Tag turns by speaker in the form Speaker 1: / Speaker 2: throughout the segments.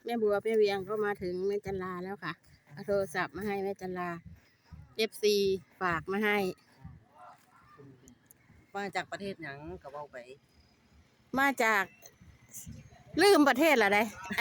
Speaker 1: แม่บัวแม่เวียงก็มาถึงแม่จันลาแล้วค่ะเอาโทรศัพท์มาให้แม่จันลา FC ฝากมาให้
Speaker 2: มาจากประเทศหยังก็เว้าไป
Speaker 1: มาจากลืมประเทศละได้ไอ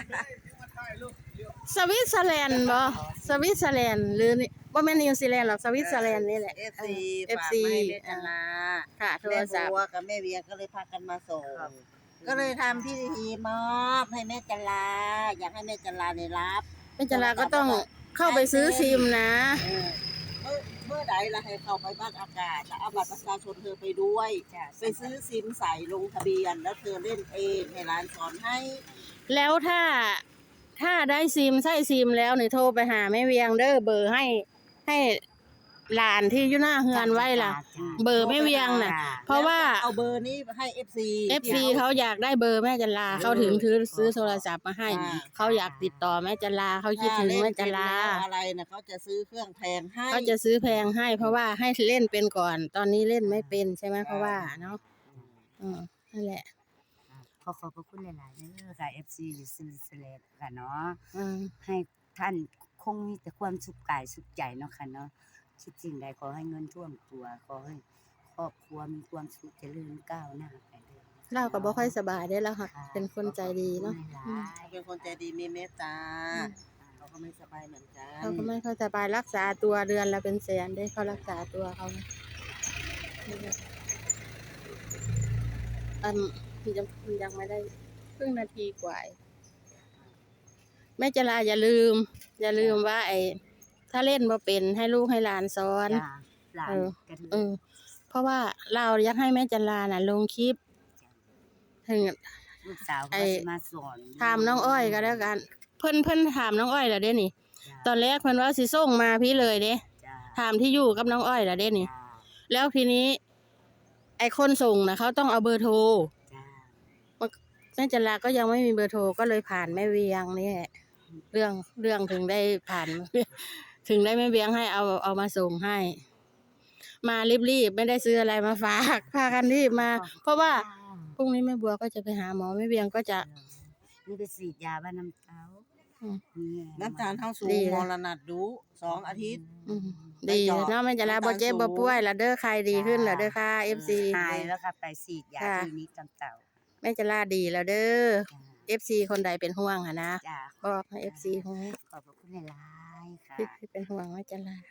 Speaker 1: สวิตเซอร์แลนด์บ่สวิตเซอร์แลนด์หรือว่าแม่นิวซีแลนด์หรอกสวิตเซอร์แลนด์นี่แหละ
Speaker 2: FC ฝากมาให้แม่จันลา
Speaker 1: ค่ะโทร
Speaker 2: แม่
Speaker 1: ศัพท์
Speaker 2: บัวกับแม่เวียงก็เลยพากันมาส่งก็เลยทำพิธีมอบให้แม่จันลาอยากให้แม่จันลาได้รับ
Speaker 1: แม่จันลาก็ต้องเข้าไปซื้อซิมนะ
Speaker 2: เมื่อใดล่ะให้เข้าไปบ้านอากาศแล้วเอาบัตรประชาชนเธอไปด้วยไปซื้อซิมใส่ลงทะเบียนแล้วเธอเล่นเองให้ร้านสอนให้
Speaker 1: แล้วถ้าได้ซิมใช่ซิมแล้วนี่โทรไปหาแม่เวียงเด้อเบอร์ให้หลานที่อยู่หน้าเฮือนไว้ล่ะเบอร์แม่เวียงน่ะเพราะว่า
Speaker 2: เอาเบอร์นี้ให้ FC
Speaker 1: เขาอยากได้เบอร์แม่จันลาเขาถึงซื้อโทรศัพท์มาให้เขาอยากติดต่อแม่จันลาเขาคิดถึงแม่จันลา
Speaker 2: อะไรนะเขาจะซื้อเครื่องแพงให้
Speaker 1: เขาจะซื้อแพงให้เพราะว่าให้เล่นเป็นก่อนตอนนี้เล่นไม่เป็นใช่ไหมเพราะว่าเนาะนั่นแหละ
Speaker 3: ขอบพระคุณหลายๆเด้อค่ะ FC อยู่สวิตเซอร์แลนด์ค่ะเนาะให้ท่านคงมีแต่ความสุขกายสุขใจเนาะค่ะเนาะคิดสิ่งใดขอให้เงินท่วมตัวขอให้ครอบครัวมีความสุขเจริญก้าวหน้าไปเด้อ
Speaker 1: เราก็บ่ค่อยสบายได้แล้วค่ะเป็นคนใจดีเนาะ
Speaker 2: เป็นคนใจดีมีเมตตาเขาก็ไม่สบายเหมือนกัน
Speaker 1: เขาก็ไม่ค่อยสบายรักษาตัวเดือนละเป็นแสนได้เขารักษาตัวเขายังไม่ได้ครึ่งนาทีกว่าแม่จันลาอย่าลืมว่าถ้าเล่นบ่เป็นให้ลูกให้หลานสอนเพราะว่าเราอยากให้แม่จันลาน่ะลงคลิปถึง
Speaker 3: ลูกสาวก็มาสอน
Speaker 1: ถามน้องอ้อยก็แล้วกันเพิ่นถามน้องอ้อยแล้วเด้นี่ตอนแรกเพิ่นว่าสิส่งมาพี่เลยเด้ถามที่อยู่กับน้องอ้อยแล้วเด้นี่แล้วทีนี้ไอ้คนส่งน่ะเขาต้องเอาเบอร์โทรแม่จันลาก็ยังไม่มีเบอร์โทรก็เลยผ่านแม่เวียงนี่เรื่องถึงได้ผ่านถึงได้แม่เวียงให้เอามาส่งให้มารีบไม่ได้ซื้ออะไรมาฝากพากันรีบมาเพราะว่าพรุ่งนี้แม่บัวก็จะไปหาหมอแม่เวียงก็จะ
Speaker 3: นี่ไปฉีดยาบ้านน้ำเต้า
Speaker 2: น้ำตาลเท่าสูงมรณะดู2 อาทิตย์
Speaker 1: ดีเนาะแม่จันลาบ่เจ็บบ่ป่วยละเด้อใครดีขึ้นละเด้อค่ะ FC
Speaker 3: หายแล้วค่ะไปฉีดยาที่นี้จำเต่า
Speaker 1: แม่จันลาดีแล้วเด้อ FC คนใดเป็นห่วงอ่ะนะบอกให้ FC ฮู้
Speaker 3: ขอบคุณหลายๆค่ะ
Speaker 1: ที่เป็นห่วงแม่จันลา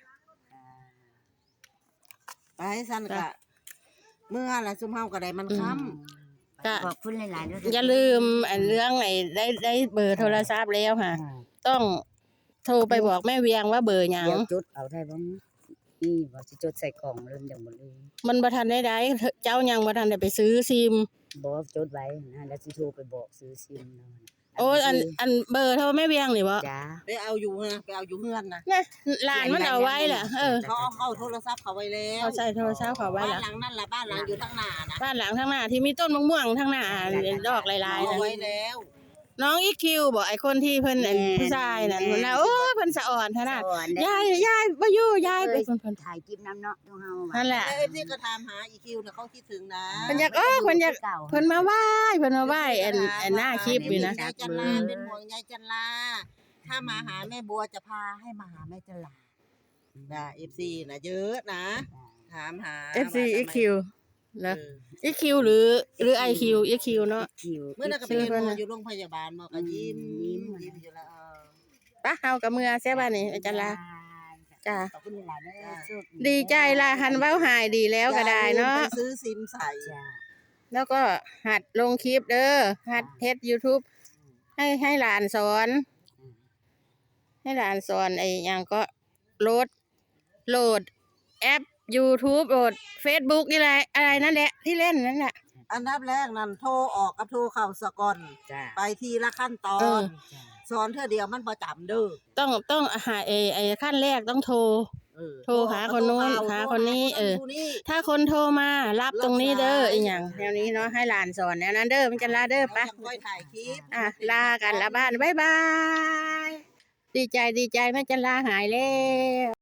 Speaker 2: ไปสั่นก็เมื่อละซุมเฮาก็ได้มันค้
Speaker 3: ำขอบคุณหลายๆด้วย
Speaker 1: อย่าลืมเรื่องได้เบอร์โทรศัพท์แล้วค่ะต้องโทรไปบอกแม่เวียงว่าเบอร์หยัง
Speaker 3: จดเอาได้บ่นี่ว่าสิจดใส่กล่องเริ่มจังบ่เลย
Speaker 1: มันบ่ทันได้เจ้ายังบ่ทันได้ไปซื้อซิม
Speaker 3: บ่จดไว้นะแล้วสิโทรไปบอกซื้อซิม
Speaker 1: โอ้อันเบอร์โทรแม่เวียงนี่บ่
Speaker 3: จ้า
Speaker 2: ไปเอาอยู่นะไปเอาอยู่เฮือนนะ
Speaker 1: หลานมันเอาไว้ล่ะ
Speaker 2: เขาเอาโทรศัพท์เขาไว้แล้ว
Speaker 1: เขาใส่โทรศัพท์เขาไว้
Speaker 2: ล่ะบ้านหลังนั่นล่ะบ้านหลังอยู่ข้างหน้านะ
Speaker 1: บ้านหลังข้างหน้าที่มีต้นมะม่วงข้างหน้าดอกลายๆ
Speaker 2: เอาไว้แล้ว
Speaker 1: น้องอีคิวบอกไอ้คนที่เพิ่นผู้ชายนั่นพุ่นน่ะโอ้เพิ่นสะอ่อนขนาดยายบ่อยู่ยายไปเพิ่น
Speaker 3: ถ่ายคลิปนำเนาะเฮา
Speaker 1: นั่นแหละ
Speaker 2: ที่ก็ถามหาอีคิวน่ะเขาคิดถึงนะ
Speaker 1: เพิ่นอยากเพิ่นมาไหว้หน้าคลิปอยู่นะ
Speaker 2: ยายจันลาเป็นห่วงยายจันลาถ้ามาหาแม่บัวจะพาให้มาหาแม่จันลาFC น่ะเยอะนะถามหา
Speaker 1: FC EQแล้วEQ หรือ IQ EQ เนาะ
Speaker 2: เมื่อนั้นก็ไปเรียนหมออยู่โรงพยาบาลหมอก็ยิ้มอยู่แล้ว
Speaker 1: ปะเฮากับเมื่อแซ่บานี่อาจารย์ลาจ้า
Speaker 3: ขอบคุณหลายๆเด้อ
Speaker 1: ดีใจล่ะหันเว้าหายดีแล้วก็ได้เนาะ
Speaker 2: ไปซื้อซิมใส่
Speaker 1: แล้วก็หัดลงคลิปเด้อหัดเฮ็ด YouTube ให้หลานสอนไอ้หยังก็โหลดแอป YouTube โหลด Facebook นี่แหละอะไรนั่นแหละที่เล่นนั่นแหละ
Speaker 2: อันดับแรกนั่นโทรออกกับโทรเข้าสะก่อนไปทีละขั้นตอนสอนเธอเดียวมันประจำเด้อ
Speaker 1: ต้องหาไอ้ขั้นแรกต้องโทรหาคนนู้นหาคนนี้ถ้าคนโทรมารับตรงนี้เด้ออีหยังแนวนี้เนาะให้หลานสอนแนวนั้นเด้อมันจะลาเด้อปะลากันละบ้านบ๊ายบายดีใจแม่จะลาหายแล้ว